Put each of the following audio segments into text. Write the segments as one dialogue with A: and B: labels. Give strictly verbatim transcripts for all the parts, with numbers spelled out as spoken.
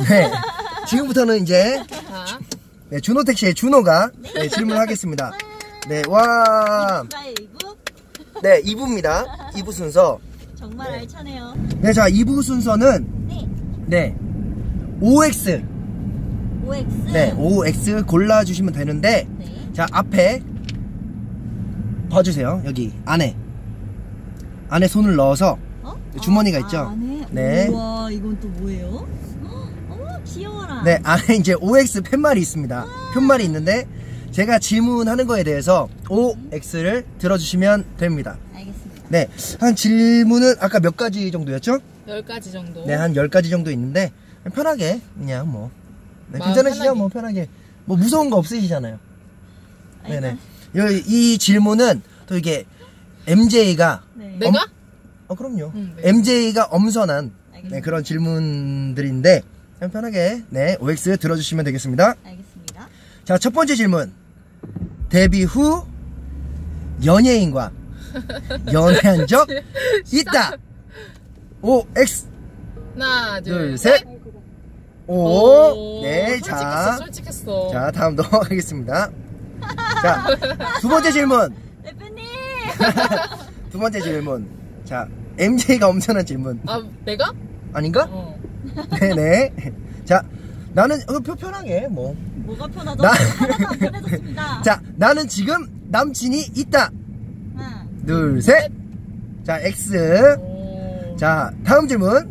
A: 네. 지금부터는 이제
B: 자.
A: 네, 준호택 씨의 준호가 네, 질문하겠습니다. 네, 와. 네, 이 부입니다. 이 부 순서.
C: 정말
A: 네.
C: 알차네요.
A: 네, 자, 이 부 순서는
C: 네.
A: 네. 오엑스.
C: 오엑스.
A: 네, 오엑스 골라 주시면 되는데
C: 네.
A: 자, 앞에 봐주세요. 여기 안에 안에 손을 넣어서
C: 어?
A: 주머니가
C: 아,
A: 있죠.
C: 안에?
A: 네.
C: 우와, 이건 또 뭐예요? 어머, 귀여워라.
A: 네, 안에 이제 오엑스 팻말이 있습니다. 팻말이 있는데 제가 질문하는 거에 대해서 오엑스를 들어주시면 됩니다.
C: 알겠습니다.
A: 네, 한 질문은 아까 몇 가지 정도였죠?
B: 열 가지 정도.
A: 네, 한 열 가지 정도 있는데 편하게 그냥 뭐 네,
B: 마음
A: 괜찮으시죠?
B: 편하게.
A: 뭐 편하게 뭐 무서운 거 없으시잖아요. 네네. 이, 이 질문은 또 이게 엠제이가
C: 네.
B: 내가?
A: 엄, 어 그럼요.
B: 응, 네.
A: 엠제이가 엄선한
C: 알겠습니다.
A: 네, 그런 질문들인데 그냥 편하게 네 오엑스 들어주시면 되겠습니다.
C: 알겠습니다.
A: 자, 첫 번째 질문. 데뷔 후 연예인과 연애한 적 있다. 오엑스.
B: 하나, 둘,
A: 둘,
B: 셋.
A: 셋. 오. 네,
B: 솔직했어,
A: 자.
B: 솔직했어.
A: 자, 다음 넘어가겠습니다. 자, 두 번째 질문.
C: 대표님!
A: 두 번째 질문. 자, 엠제이가 엄청난 질문.
B: 아, 내가?
A: 아닌가?
B: 어.
A: 네네. 자, 나는, 어, 표- 편하게, 뭐.
C: 뭐가 편하죠?
A: 나-
C: 하나도 안 편해졌습니다.
A: 자, 나는 지금 남친이 있다.
C: 하나.
A: 둘, 셋. 자, X.
B: 오.
A: 자, 다음 질문.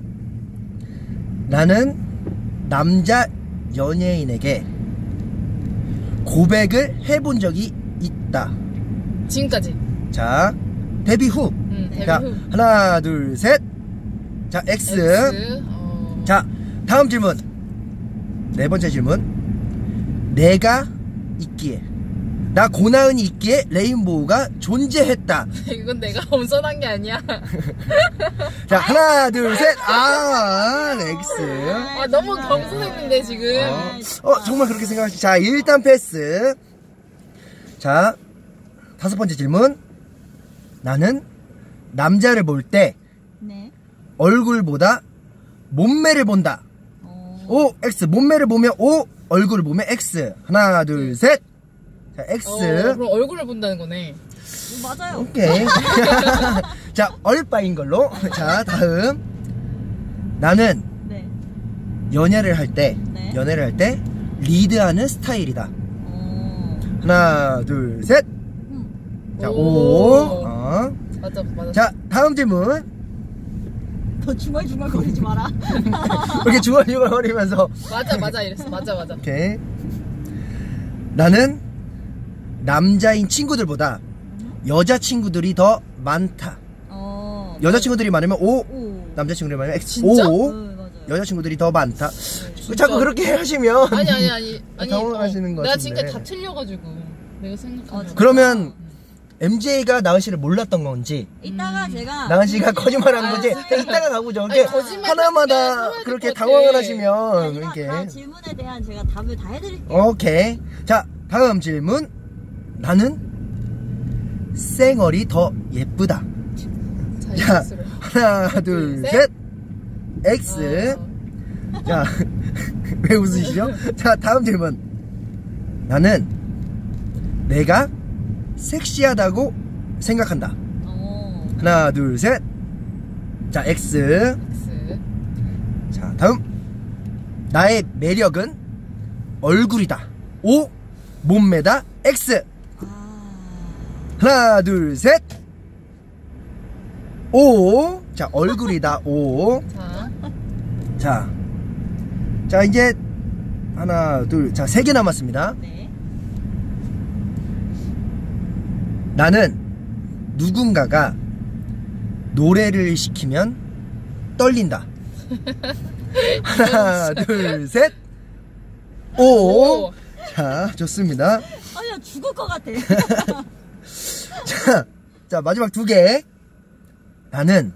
A: 나는 남자 연예인에게 고백을 해본 적이 있다.
B: 지금까지.
A: 자, 데뷔 후.
B: 응, 데뷔
A: 자,
B: 후.
A: 하나, 둘, 셋. 자, X.
B: X. 어.
A: 자, 다음 질문. 네 번째 질문. 내가 있기에, 나 고나은이 있기에 레인보우가 존재했다.
B: 이건 내가 엄선한 게 아니야.
A: 자, 하나, 둘, 셋. 아, X.
B: 아, 너무 겸손했는데, 지금.
A: 어, 어, 정말 그렇게 생각하시. 자, 일단 패스. 자, 다섯 번째 질문. 나는 남자를 볼 때
C: 네.
A: 얼굴보다 몸매를 본다.
C: 어.
A: 오, X. 몸매를 보면 O, 얼굴을 보면 X. 하나, 둘, 셋. 자, X.
B: 어, 그럼 얼굴을 본다는 거네.
C: 어, 맞아요.
A: 오케이. 자, 얼빠인 걸로. 자, 다음. 나는
C: 네.
A: 연애를 할 때,
C: 네.
A: 연애를 할 때 리드하는 스타일이다.
C: 어.
A: 하나, 둘, 셋.
C: 음.
A: 자,
B: 오.
A: 오. 어.
B: 맞아, 맞아.
A: 자, 다음 질문.
C: 더 중얼중얼 거리지 마라.
A: 이렇게 중얼중얼거리면서.
B: 맞아, 맞아, 이랬어. 맞아, 맞아.
A: 오케이. 나는 남자인 친구들보다 여자친구들이 더 많다.
C: 어.
A: 여자친구들이 많으면 O,
C: 오.
A: 남자친구들이 많으면 X.
B: 진짜?
A: O.
C: 네, 맞아요.
A: 여자친구들이 더 많다.
B: 진짜.
A: 자꾸 그렇게 하시면.
B: 아니, 아니, 아니. 아니
A: 당황하시는 것
B: 내가
A: 같은데.
B: 지금까지 다 틀려가지고. 내가 생각하는.
C: 어,
A: 그러면 엠제이가 나은 씨를 몰랐던 건지,
C: 이따가 제가
A: 나은 씨가 거짓말하는
B: 아,
A: 건지,
B: 진짜.
A: 이따가 가보죠.
B: 아니,
A: 이렇게
B: 거짓말
A: 하나마다
B: 해야
A: 그렇게
B: 될 것
A: 당황을
B: 같아.
A: 하시면,
C: 아니라
A: 이렇게.
C: 다 질문에 대한 제가 답을 다 해드릴게요.
A: 오케이. 자, 다음 질문. 나는 쌩얼이 더 예쁘다. 자,
B: 자연스러워.
A: 하나, 둘,
B: 셋.
A: 셋. X.
B: 어.
A: 자, 왜 웃으시죠? 자, 다음 질문. 나는 내가 섹시하다고 생각한다.
C: 어.
A: 하나, 둘, 셋. 자, X.
B: X.
A: 자, 다음. 나의 매력은 얼굴이다. O. 몸매다. X.
C: 아.
A: 하나, 둘, 셋. O. 자, 얼굴이다. O.
B: 자.
A: 자. 자, 이제 하나, 둘, 자, 세 개 남았습니다.
C: 네.
A: 나는 누군가가 노래를 시키면 떨린다. 하나, 둘, 셋. 오.
B: 오.
A: 자, 좋습니다.
C: 아니야, 죽을 것 같아.
A: 자, 자, 마지막 두 개. 나는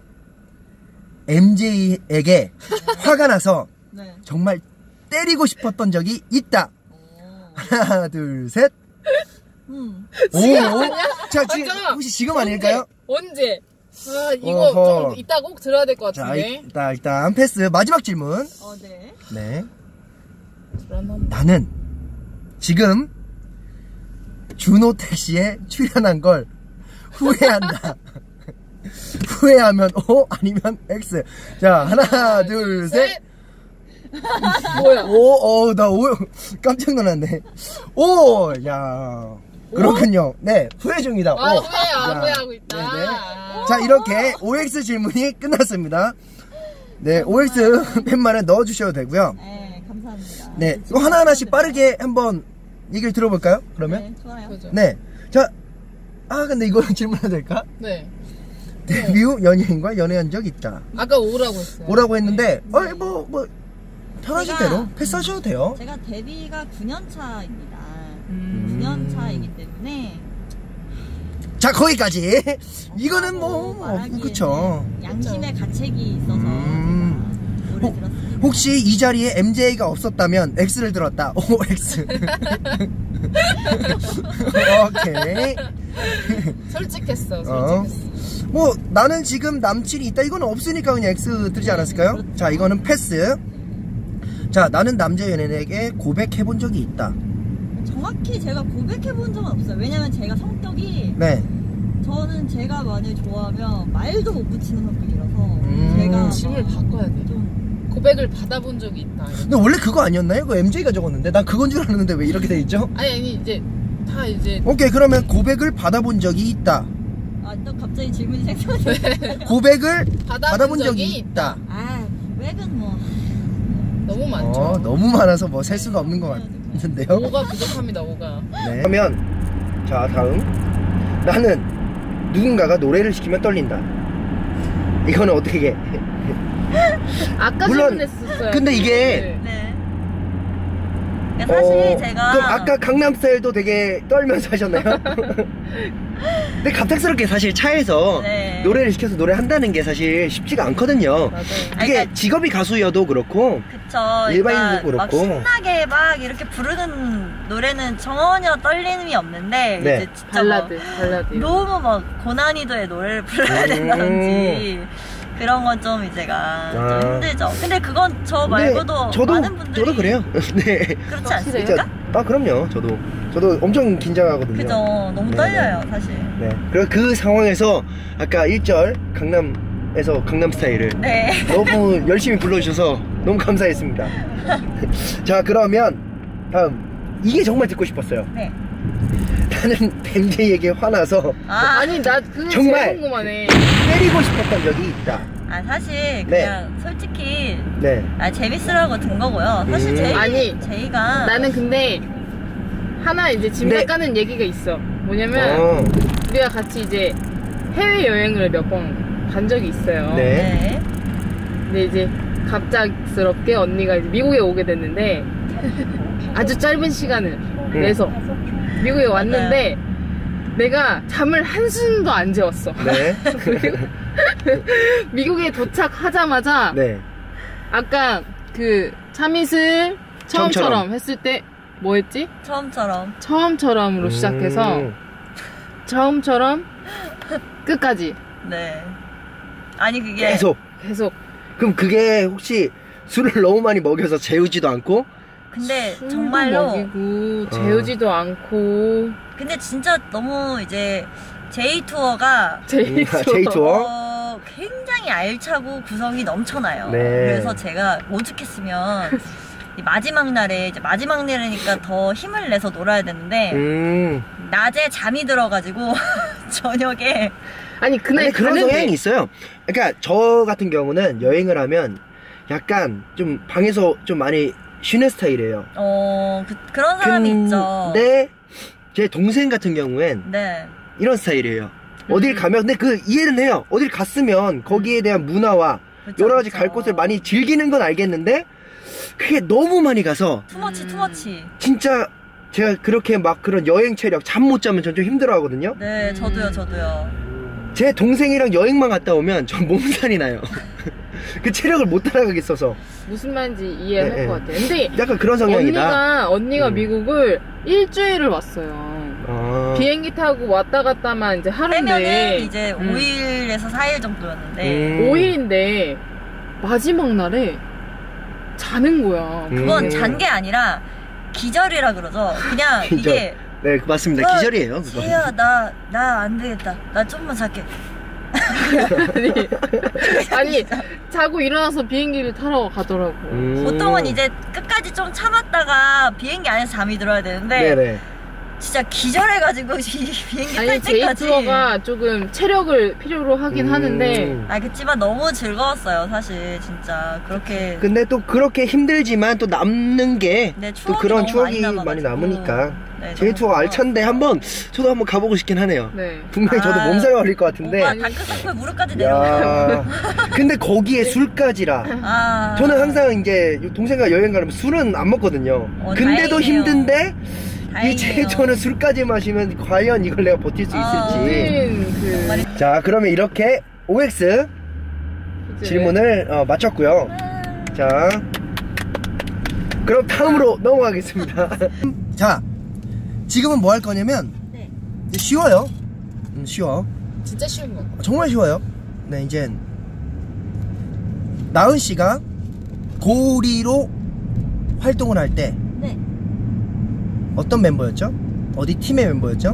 A: 엠제이에게 화가 나서
C: 네.
A: 정말 때리고 싶었던 적이 있다.
C: 오.
A: 하나, 둘, 셋.
C: 음.
A: 오. 자, 지금,
B: 잠깐만.
A: 혹시 지금 아닐까요?
B: 언제? 아, 이거
A: 어허.
B: 좀 이따 꼭 들어야 될 것
A: 자,
B: 같은데.
A: 일단, 일단, 패스. 마지막 질문.
C: 어, 네.
A: 네. 나는 지금 준호 택시에 출연한 걸 후회한다. 후회하면 O 아니면 X. 자, 하나, 둘, 셋.
B: 뭐야?
A: 오, 어, 나 오, 깜짝 놀랐네. 오, 야. 그렇군요. 네, 후회 중이다.
B: 아,
A: 오.
B: 후회야,
A: 자,
B: 후회하고 있다.
A: 네네.
B: 아.
A: 자, 이렇게 오엑스 질문이 끝났습니다. 네, 오엑스 팻말에 넣어주셔도 되고요.
C: 네, 감사합니다.
A: 네, 이거 하나하나씩 빠르게 한번 얘기를 들어볼까요? 그러면?
C: 네, 좋아요.
B: 그죠.
A: 네. 자, 아, 근데 이거 질문해도 될까?
B: 네.
A: 데뷔 후 연예인과 연애한 적 있다.
B: 아까 오라고 했어요.
A: 오라고 했는데, 어, 뭐, 뭐, 편하신
C: 제가-
A: 대로 패스하셔도 돼요.
C: 제가 데뷔가 구 년 차입니다.
B: 음.
C: 구 년 차이기 때문에
A: 자, 거기까지. 이거는 뭐, 뭐
C: 말하기에는
A: 그쵸.
C: 양심의 가책이 있어서
A: 음.
C: 제가 오래
A: 혹-
C: 들었습니다.
A: 혹시 이 자리에 엠제이가 없었다면 X를 들었다. 오, X. 오케이.
B: 솔직했어,
A: 어.
B: 솔직했어.
A: 뭐 나는 지금 남친이 있다. 이건 없으니까 그냥 X 들지 않았을까요?
C: 그렇죠.
A: 자, 이거는 패스. 자, 나는 남자 연예인에게 고백해본 적이 있다.
C: 정확히 제가 고백해본 적은 없어요. 왜냐면 제가 성격이
A: 네.
C: 저는 제가 만약 좋아하면 말도 못 붙이는 성격이라서
A: 음.
C: 제가
B: 질문을 바꿔야 돼.
C: 좀
B: 고백을 받아본 적이 있다.
A: 근데 원래 그거 아니었나요? 그거 엠제이가 적었는데 난 그건 줄 알았는데 왜 이렇게 돼 있죠?
B: 아니 아니 이제 다 이제
A: 오케이, 그러면 고백을 받아본 적이 있다.
C: 아, 또 갑자기 질문이 생겨나네.
A: 고백을
B: 받아본,
A: 받아본 적이
B: 적이
A: 있다.
C: 아, 고백은 뭐
B: 너무 많죠.
A: 어, 너무 많아서 뭐 셀 수가 없는 것 같은데요.
B: 오가 부족합니다. 오가.
A: 네. 그러면 자, 다음. 나는 누군가가 노래를 시키면 떨린다. 이거는 어떻게 해?
B: 아까
A: 물론,
B: 질문했었어요.
A: 근데 이게-
C: 네. 그러니까 사실
A: 어,
C: 제가
A: 그럼 아까 강남스타일도 되게 떨면서 하셨나요? 근데 갑작스럽게 사실 차에서
C: 네.
A: 노래를 시켜서 노래한다는 게 사실 쉽지가 않거든요.
B: 맞아요.
A: 이게
C: 그러니까-
A: 직업이 가수여도 그렇고
C: 그쵸.
A: 일반인도
C: 그러니까 막
A: 그렇고.
C: 신나게 막 이렇게 부르는 노래는 전혀 떨림이 없는데
A: 네.
C: 이제 진짜
B: 발라드,
C: 뭐
B: 발라드.
C: 너무 막 고난이도의 노래를 불러야
A: 음.
C: 된다든지 그런 건 좀 이제가
A: 아.
C: 좀 힘들죠. 근데 그건 저
A: 근데
C: 말고도
A: 저도
C: 많은 분들이
A: 저도 그래요. 네.
C: 그렇지
B: 확실해요?
C: 않습니까?
A: 아, 그럼요. 저도 저도 엄청 긴장하거든요.
C: 그죠. 너무
A: 네,
C: 떨려요, 사실.
A: 네. 그리고 그 상황에서 아까 일 절 강남에서 강남 스타일을
C: 네.
A: 너무 열심히 불러주셔서 너무 감사했습니다. 자, 그러면 다음. 이게 정말 듣고 싶었어요.
C: 네.
A: 나는 엠제이에게 화나서
C: 아,
B: 아니 나 그게
A: 정말.
B: 제일 궁금하네.
A: 때리고 싶었던 적이 있다.
C: 아 사실
A: 네.
C: 그냥 솔직히
A: 네.
C: 아 재밌으라고 든 거고요. 사실
A: 음.
C: 제이
B: 아니,
C: 제이가
B: 나는 근데 하나 이제 짐작
A: 네.
B: 가는 얘기가 있어. 뭐냐면
A: 어,
B: 우리가 같이 이제 해외 여행을 몇 번 간 적이 있어요.
A: 네.
C: 네.
B: 근데 이제 갑작스럽게 언니가 이제 미국에 오게 됐는데 아주 짧은 시간을 내서 미국에 왔는데 내가 잠을 한숨도 안 재웠어.
A: 네.
B: 미국에 도착하자마자
A: 네.
B: 아까 그 참이슬 처음처럼
A: 처음처럼.
B: 했을 때 뭐 했지?
C: 처음처럼.
B: 처음처럼으로 시작해서
A: 음.
B: 처음처럼 끝까지
C: 네. 아니 그게
A: 계속.
B: 계속
A: 그럼 그게 혹시 술을 너무 많이 먹여서 재우지도 않고?
C: 근데
B: 술도
C: 정말로
B: 먹이고 재우지도 않고
C: 근데 진짜 너무 이제 제이 투어가
B: 제이
A: 음, 제이 투어?
C: 어, 굉장히 알차고 구성이 넘쳐나요.
A: 네.
C: 그래서 제가 오죽했으면 이 마지막 날에 이제 마지막 날이니까 더 힘을 내서 놀아야 되는데
A: 음.
C: 낮에 잠이 들어가지고 저녁에
B: 아니 그날
A: 근데 그런
B: 가는데
A: 성향이 있어요. 그러니까 저 같은 경우는 여행을 하면 약간 좀 방에서 좀 많이 쉬는 스타일이에요.
C: 어 그, 그런 사람이 있죠.
A: 근데 제 동생 같은 경우엔
C: 네.
A: 이런 스타일이에요. 어딜 가면 근데 그 이해는 해요. 어딜 갔으면 거기에 대한 문화와
C: 그쵸,
A: 여러 가지
C: 그쵸.
A: 갈 곳을 많이 즐기는 건 알겠는데 그게 너무 많이 가서
C: 투머치 투머치.
A: 진짜 제가 그렇게 막 그런 여행 체력 잠 못 자면 전 좀 힘들어 하거든요.
C: 네, 저도요, 저도요.
A: 제 동생이랑 여행만 갔다 오면 전 몸살이 나요. 그 체력을 못 따라가겠어서
B: 무슨 말인지 이해할
A: 네,
B: 것
A: 네.
B: 같아요. 근데
A: 약간 그런 성향이다.
B: 언니가 언니가
A: 음.
B: 미국을 일주일을 왔어요.
A: 아.
B: 비행기 타고 왔다 갔다만 이제 하루인데
C: 빼면은 이제
B: 음.
C: 오 일에서 사 일 정도였는데
A: 음.
B: 오 일인데 마지막 날에 자는 거야.
C: 그건
A: 음.
C: 잔 게 아니라 기절이라 그러죠. 그냥
A: 기절.
C: 이게
A: 네 맞습니다.
C: 어,
A: 기절이에요. 그거.
C: 쟤야 나 나 안 되겠다. 나 좀만 잘게.
B: 아니, 아니 자고 일어나서 비행기를 타러 가더라고.
A: 음.
C: 보통은 이제 끝까지 좀 참았다가 비행기 안에서 잠이 들어야 되는데
A: 네네.
C: 진짜 기절해가지고 이 비행기 탈
B: 아니
C: 때까지.
B: 제이투어가 조금 체력을 필요로 하긴
A: 음.
B: 하는데
C: 아 그치만 너무 즐거웠어요 사실 진짜 그렇게.
A: 근데 또 그렇게 힘들지만 또 남는 게
C: 네,
A: 또
C: 추억이
A: 그런
C: 너무
A: 추억이
C: 많이
A: 많이
C: 남아가지고.
A: 남으니까
C: 네,
A: 제이투어
C: 너무
A: 알찬데 한번 저도 한번 가보고 싶긴 하네요.
B: 네.
A: 분명히 저도
C: 아.
A: 몸살 걸릴 것 같은데.
C: 오빠 다크서클 무릎까지 내려가.
A: 야, 근데 거기에 술까지라.
C: 아.
A: 저는 항상 이제 동생과 여행 가면 술은 안 먹거든요.
C: 어,
A: 근데도
C: 다행이네요.
A: 힘든데 이
C: 다행이에요.
A: 제이투어는 술까지 마시면 과연 이걸 내가 버틸 수
C: 아,
A: 있을지.
B: 우린 그
C: 정말
A: 자, 그러면 이렇게 오엑스
B: 이제
A: 질문을 어, 마쳤고요. 자, 그럼 다음으로 넘어가겠습니다. 자, 지금은 뭐 할 거냐면
C: 네.
A: 이제 쉬워요. 음, 쉬워.
B: 진짜 쉬운 거.
A: 정말 쉬워요. 네, 이제 나은 씨가 고리로 활동을 할 때
C: 네.
A: 어떤 멤버였죠? 어디 팀의 멤버였죠?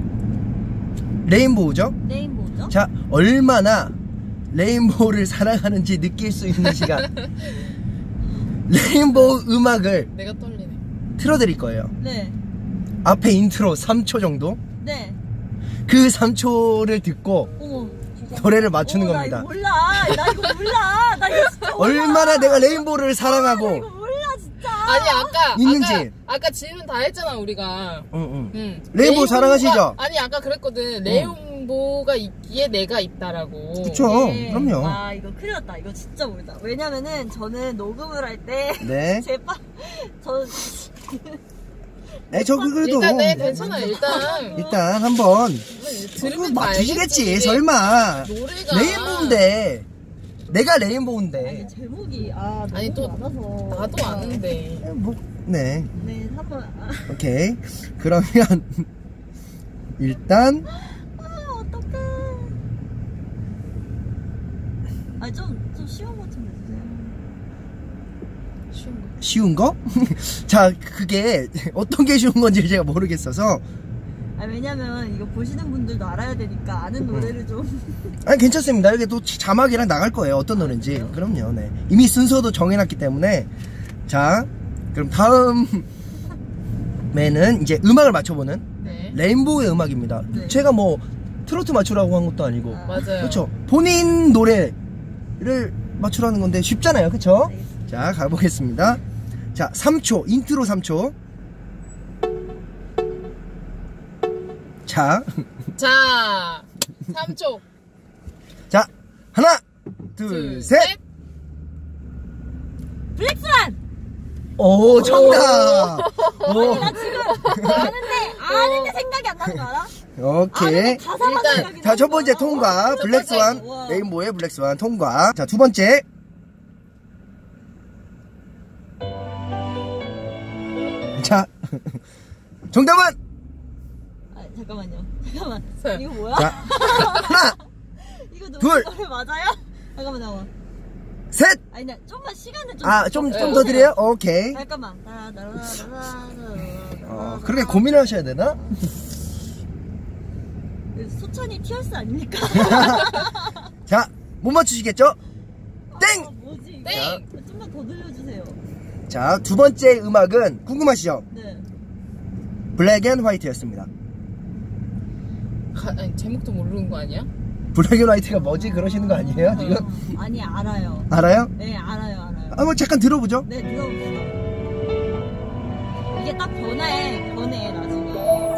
A: 레인보우죠?
C: 레인보우죠?
A: 자, 얼마나 레인보우를 사랑하는지 느낄 수 있는 시간. 레인보우 음악을
B: 내가 떨리네.
A: 틀어드릴 거예요.
C: 네.
A: 앞에 인트로 삼 초 정도?
C: 네.
A: 그 삼 초를 듣고
C: 어머.
A: 노래를 맞추는
C: 어머,
A: 겁니다.
C: 나 이거 몰라. 나 이거 몰라. 나 이거 진짜 몰라.
A: 얼마나 내가 레인보우를
C: 나 이거
A: 사랑하고
C: 몰라 진짜.
B: 아니 아까
A: 있는지.
B: 아까, 아까 질문 다 했잖아 우리가.
A: 응, 응.
B: 응.
A: 레인보우
B: 레인보우가-
A: 사랑하시죠?
B: 아니 아까 그랬거든. 레인보우가 있기에 내가 있다라고.
A: 그쵸.
C: 네.
A: 그럼요.
C: 아 이거 큰일 났다. 이거 진짜 모르다. 왜냐면은 저는 녹음을 할 때
A: 네.
C: 제빵 저
A: 네, 저 그래도
B: 일단 네 괜찮아 일단.
A: 일단 한번
B: 들으면 다
A: 맞추시겠지.
B: 알겠지.
A: 설마
B: 노래가
A: 레인보우인데 내가
C: 아니
A: 레인보우인데
C: 제목이 아
B: 아니, 또
C: 많아서
B: 나도 아는데.
A: 뭐, 네.
C: 네 한번 아,
A: 오케이. 그러면 일단
C: 아 어떡해. 아좀좀 쉬운 것 좀 해주세요.
B: 쉬운 거.
A: 쉬운 거? 자, 그게 어떤 게 쉬운 건지 제가 모르겠어서.
C: 아 왜냐면 이거 보시는 분들도 알아야 되니까 아는 노래를 좀.
A: 아니, 괜찮습니다. 이게 또 자막이랑 나갈 거예요. 어떤 노래인지. 그럼요. 네. 이미 순서도 정해놨기 때문에. 자, 그럼 다음에는 이제 음악을 맞춰보는
B: 네.
A: 레인보우의 음악입니다.
C: 네.
A: 제가 뭐 트로트 맞추라고 한 것도 아니고.
C: 아.
B: 맞아요.
A: 그렇죠. 본인 노래를 맞추라는 건데 쉽잖아요. 그렇죠?
C: 네.
A: 자, 가보겠습니다. 자, 삼 초. 인트로 삼 초. 자,
B: 자, 삼 초.
A: 자, 하나, 둘,
B: 둘,
A: 셋.
C: 블랙스완.
A: 오, 정답. 오,
C: 아는데 아는데 생각이 안 나는 거 알아?
A: 오케이.
C: 아는데 가사만
B: 일단,
C: 생각이
A: 자, 첫
C: 나는
A: 번째
C: 거야.
A: 통과.
B: 첫
A: 블랙스완.
C: 번째. 우와.
A: 레인보우의 블랙스완 통과. 자, 두 번째. 자, 정답은?
C: 아, 잠깐만요. 잠깐만.
B: 셋.
C: 이거 뭐야?
A: 자, 하나,
C: 이거 노래,
A: 둘.
C: 노래 맞아요? 잠깐만 잠깐만.
A: 셋.
C: 아니 나 좀만 시간을 좀.
A: 아, 좀,
B: 네.
A: 좀 더 드려요? 오케이.
C: 잠깐만.
A: 어, 그렇게 고민을 하셔야 되나?
C: 소찬이 티얼스 아닙니까?
A: 자, 못 맞추시겠죠? 땡!
C: 아, 뭐지?
B: 땡!
C: 이거? 좀만 더 들려주세요.
A: 자, 두 번째 음악은 궁금하시죠?
C: 네.
A: 블랙 앤 화이트였습니다.
B: 가, 아니, 제목도 모르는 거 아니야?
A: 블랙 앤 화이트가 뭐지? 그러시는 거 아니에요, 지금?
C: 어, 아니 알아요.
A: 알아요?
C: 네 알아요 알아요.
A: 아, 뭐 잠깐 들어보죠.
C: 네 들어봅시다. 이게 딱 변해 변해 나중에.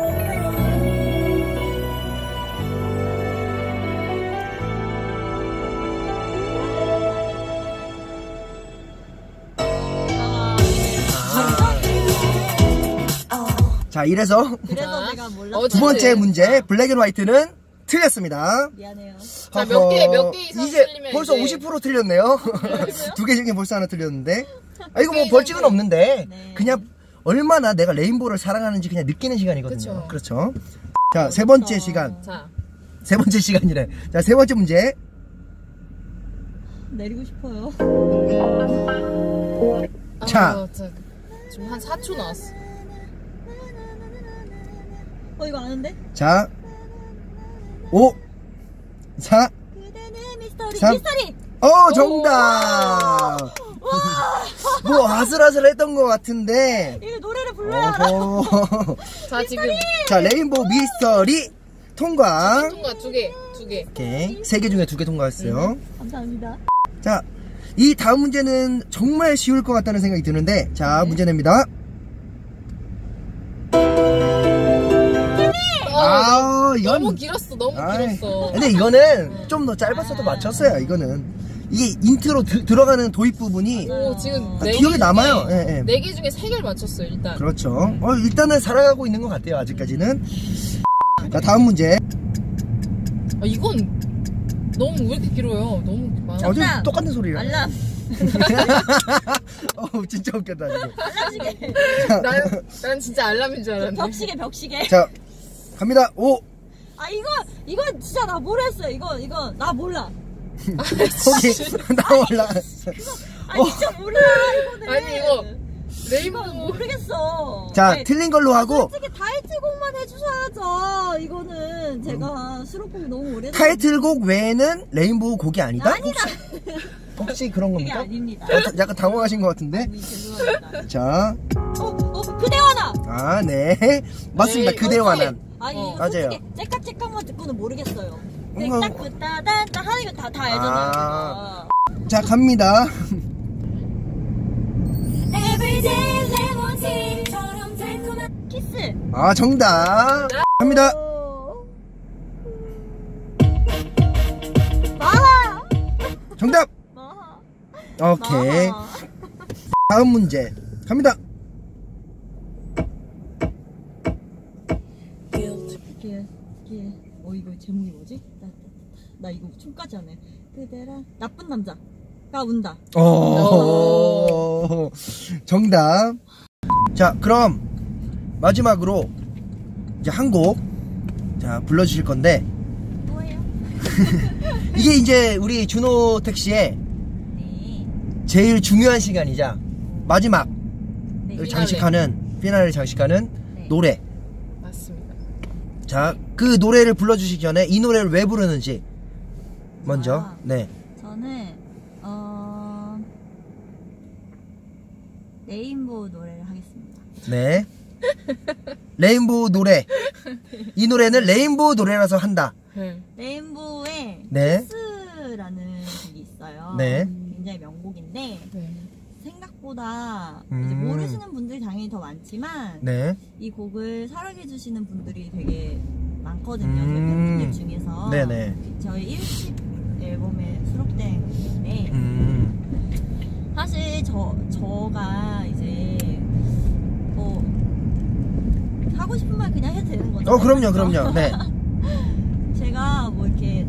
A: 자, 이래서
C: 그래서
B: 자,
C: 내가 몰랐어.
B: 어쨌든.
A: 두 번째 문제, 블랙 앤 화이트는 틀렸습니다.
C: 미안해요.
B: 자, 몇 개, 몇 개 이상
A: 이제
B: 틀리면
A: 벌써
B: 이제-
A: 오십 퍼센트 틀렸네요. 두 개 중에 벌써 하나 틀렸는데. 아, 이거 뭐 벌칙은 없는데,
C: 네.
A: 그냥 얼마나 내가 레인보우를 사랑하는지 그냥 느끼는 시간이거든요.
B: 그쵸.
A: 그렇죠. 자, 세 번째 시간.
B: 자,
A: 세 번째 시간이래. 자, 세 번째 문제.
C: 내리고 싶어요.
A: 자.
B: 아, 진짜 지금 한 사 초 나왔어.
C: 어 이거 아는데?
A: 자, 오, 사,
C: 그대는 미스터리
A: 삼.
C: 미스터리.
A: 어, 정답! 뭐 아슬아슬했던 것 같은데.
C: 이거 노래를 불러야
A: 어허.
B: 자 지금
A: 자, 레인보우 미스터리 통과.
B: 통과 두 개, 두 개.
A: 오케이. 세 개 중에 두 개 통과했어요.
C: 감사합니다.
A: 자, 이 다음 문제는 정말 쉬울 것 같다는 생각이 드는데, 자, 문제 냅니다. 아, 이건
B: 너무 길었어, 너무
A: 아이,
B: 길었어.
A: 근데 이거는 좀 더 짧았어도 맞췄어요. 이거는 이게 인트로 드, 들어가는 도입 부분이
B: 오, 지금
A: 아,
B: 네
A: 기억에
B: 개
A: 남아요.
B: 중에,
A: 예, 예.
B: 네 개 중에 세 개를 맞췄어요, 일단.
A: 그렇죠. 어, 일단은 살아가고 있는 것 같아요. 아직까지는. 자, 다음 문제.
B: 아, 이건 너무 왜 이렇게 길어요? 너무 많아.
A: 어제
C: 정답!
A: 똑같은 소리야.
C: 알람.
A: 어, 진짜 웃겼다 지금.
C: 알람시계.
B: 난, 난 진짜 알람인 줄 알았는데.
C: 벽시계 벽시계.
A: 자, 갑니다. 오.
C: 아 이거 이거 진짜 나 모르겠어요. 이거 이거 나 몰라.
A: 거기 나 올라갔어.
C: 아니 진짜 몰라 이거는.
B: 아니, 이거
C: 이거
B: 레인보우.
C: 모르겠어.
A: 자,
C: 아니,
A: 틀린 걸로 하고
C: 솔직히 타이틀곡만 해주셔야죠. 이거는 제가 수록곡이 너무 오래된.
A: 타이틀곡 외에는 레인보우 곡이 아니다?
C: 아니다.
A: 혹시, 혹시 그런
C: 그게
A: 겁니까?
C: 아닙니다.
A: 어, 약간 당황하신 것 같은데.
C: 아니, 죄송합니다.
A: 자,
C: 어, 어, 그대와나.
A: 아, 네. 맞습니다.
B: 네,
A: 그대와는.
C: 아니
B: 어.
C: 이거
A: 맞아요.
C: 솔직히 째깍째깍만 듣고는 모르겠어요.
A: 뭔가-
C: 딱 그따단따 하는 거 다 다 알잖아요.
A: 아. 자, 갑니다.
C: Everyday 레몬티처럼 달콤한 키스.
A: 아, 정답. 갑니다.
C: 어. 마하.
A: 정답.
C: 마하.
A: 오케이.
C: 마하.
A: 다음 문제. 갑니다.
C: 이게 이게 어 이거 제목이 뭐지? 나, 나, 나 이거 춤까지 하네. 그대라 나쁜 남자가 운다.
A: 오. 정답. 자, 그럼 마지막으로 이제 한 곡 자, 불러주실 건데
C: 뭐예요?
A: 이게 이제 우리 준호 택시의
C: 네.
A: 제일 중요한 시간이자 마지막
C: 네.
A: 장식하는 피나를 장식하는
C: 네.
A: 노래.
B: 맞습니다.
A: 자, 그 노래를 불러주시기 전에 이 노래를 왜 부르는지 먼저.
C: 아.
A: 네.
C: 저는 어 레인보우 노래를 하겠습니다.
A: 네. 레인보우 노래. 이 노래는 레인보우 노래라서 한다.
B: 네.
C: 레인보우의
A: 네.
C: 키스라는 곡이 있어요.
A: 네.
C: 굉장히 명곡인데
B: 네.
C: 생각보다
A: 음.
C: 이제 모르시는 분들이 당연히 더 많지만
A: 네.
C: 이 곡을 사랑해주시는 분들이 되게 많거든요.
A: 음.
C: 저희 팬분들 중에서.
A: 네네.
C: 저희 일 집 앨범에 수록된 곡인데
A: 음.
C: 사실 저, 저가 이제 뭐 하고 싶은 말 그냥 해도 되는 거죠.
A: 어, 그럼요, 그럼요. 네.
C: 제가 뭐 이렇게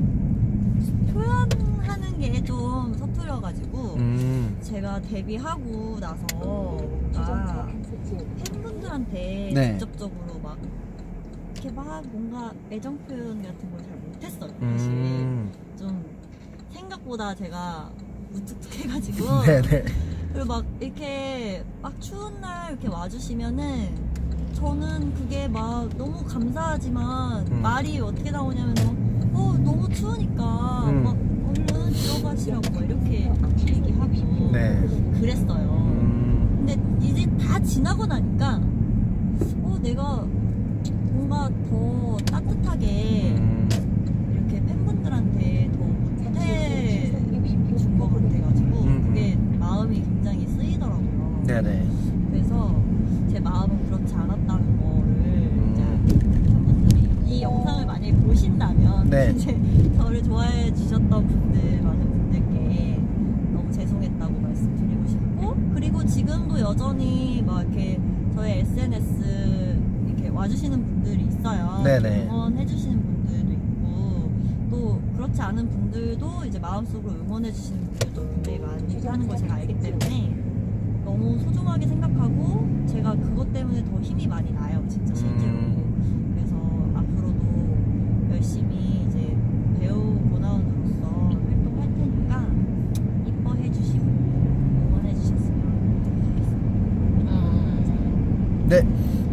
C: 표현하는 게 좀 서투려가지고
A: 음.
C: 제가 데뷔하고 나서 뭔가 팬분들한테
A: 네.
C: 직접적으로 막 이렇게 막 뭔가 애정 표현 같은 걸 잘 못했어요. 사실
A: 음.
C: 좀 생각보다 제가 무뚝뚝해가지고
A: 네네.
C: 그리고 막 이렇게 막 추운 날 이렇게 와주시면은 저는 그게 막 너무 감사하지만
A: 음.
C: 말이 어떻게 나오냐면 어 너무 추우니까
A: 음.
C: 막 얼른 들어가시라고 막 이렇게 얘기하고
A: 네.
C: 그랬어요.
A: 음.
C: 근데 이제 다 지나고 나니까 어 내가 뭔가 더 따뜻하게
A: 음.
C: 이렇게 팬분들한테 더 못해준 것 같아가지고
A: 음.
C: 그게 마음이 굉장히 쓰이더라고요.
A: 네네.
C: 그래서 제 마음은 그렇지 않았다는 거를
A: 음.
C: 이제 팬분들이 이 영상을 만약에 보신다면
A: 네.
C: 이제 저를 좋아해 주셨던 분들 많은 분들께 너무 죄송했다고 말씀드리고 싶고 그리고 지금도 여전히 막 이렇게 저의 에스엔에스 이렇게 와주시는 분들이 있어요.
A: 네네.
C: 응원해주시는 분들도 있고 또 그렇지 않은 분들도 이제 마음속으로 응원해주시는 분들도 굉장히 많이 하는 걸 제가 알기 때문에 너무 소중하게 생각하고 제가 그것 때문에 더 힘이 많이 나요, 진짜 실제로.
A: 음.
C: 그래서 앞으로도 열심히 이제 배우 고나운으로서 활동할 테니까 이뻐해 주시고 응원해 주셨으면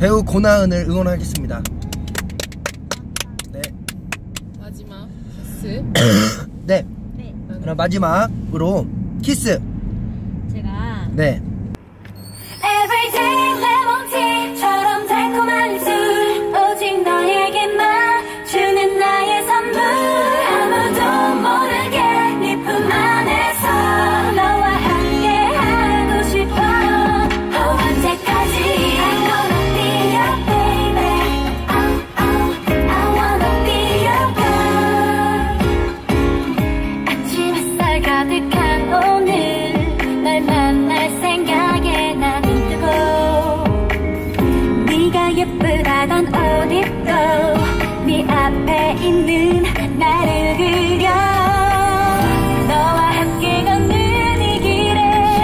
A: 배우 고나은을 응원하겠습니다. 네.
B: 마지막 키스.
A: 네.
C: 네.
A: 그럼 마지막으로 키스.
C: 제가
A: 네.
D: Everyday 레몬티처럼 달콤한 입술 오직 너에게만 주는 나의 선물 아무도 모르게 네 품 안에서 너와 함께 하고 싶어 oh, 언제까지 I wanna be your baby oh, oh, I wanna be your girl 아침 햇살 가득한 오늘 널 만날 생각에 나는 네가 예쁘다던 옷 입고 네 앞에 있는 나를 그려 너와 함께 걷는 이 길에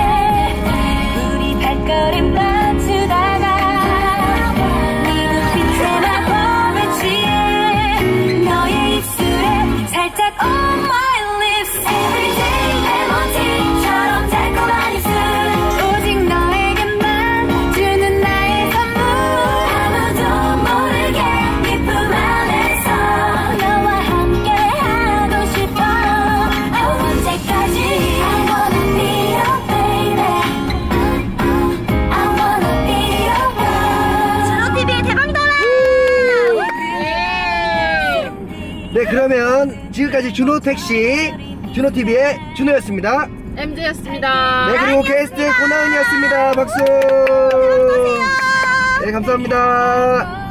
D: 우리 발걸음 맞추다가 네 눈빛에 마법에 취해 너의 입술에 살짝 on my lips Everyday 레몬티처럼 달콤한 입술 오직 너에게만 주는 나의 선물 아무도 모르게 네 품 안에서 너와 함께 하고 싶어 oh, 언제까지 I wanna be your baby I wanna be your girl 준호티비의 대박이다
A: 네, 그러면 지금까지 준호택시 준호티비의 준호였습니다.
B: 엠제였습니다.
A: 네, 그리고 게스트 고나은이었습니다. 박수. 네, 감사합니다.